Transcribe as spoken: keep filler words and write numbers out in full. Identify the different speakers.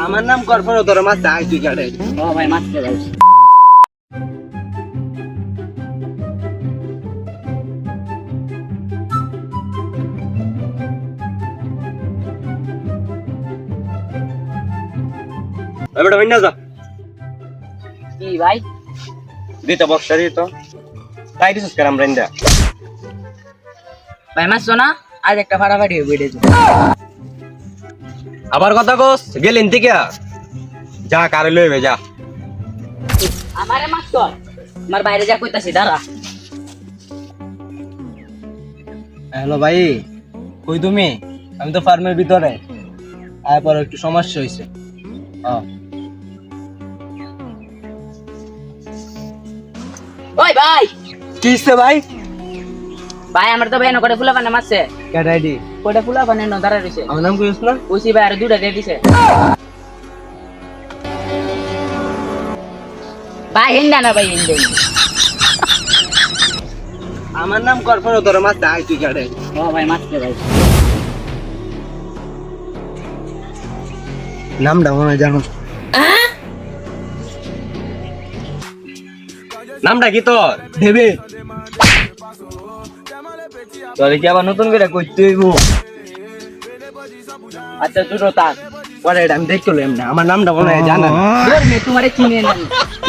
Speaker 1: আমার নাম করফর তোর মাছ চাই তুই কাটে
Speaker 2: ও ভাই মাছতে ভাই
Speaker 1: বেটা হইনা যা
Speaker 2: কি ভাই
Speaker 1: দিতে বক্সা দিত তাই দিছস কারাম রেন্দা
Speaker 2: ভাই মাছ না আজ একটা ফাটাফাটি হয়ে বেড়েছে
Speaker 1: আবার কথা কস গেলেন থেকে যা কারে লইবে যা
Speaker 2: আমারে মাছ কর আমার বাইরে যা কইতাছি দাঁড়া
Speaker 1: হ্যালো ভাই কই তুমি আমি তো ফার্মের ভিতরে আয় পর একটু সমস্যা হইছে হ্যাঁ
Speaker 2: ওই ভাই
Speaker 1: কি হইছে ভাই
Speaker 2: ভাই আমার তো ভাই ন করে ফুলা বানা মাছছে
Speaker 1: ক্যাট আইডি
Speaker 2: কোটা ফুলা বানা ন দাঁড়া রইছে
Speaker 1: আমার নাম কইছ না
Speaker 2: ওসি ভাই আর দুটা দিয়ে দিছে ভাই হিন্দা না ভাই হিন্দা
Speaker 1: আমার নাম করফর তোর মাছ চাই তুই কাটে
Speaker 2: ও ভাই মাছতে ভাই
Speaker 1: নামটা মনে হয় জানো নামটা কি তোর দেবে তোরে কি আবার নতুন করে কইতে হইব আচ্ছা দুটো তাক পরে এটা আমি দেখতে লইম না আমার নামটা মনে হয় জানা
Speaker 2: তোমারে চিনে না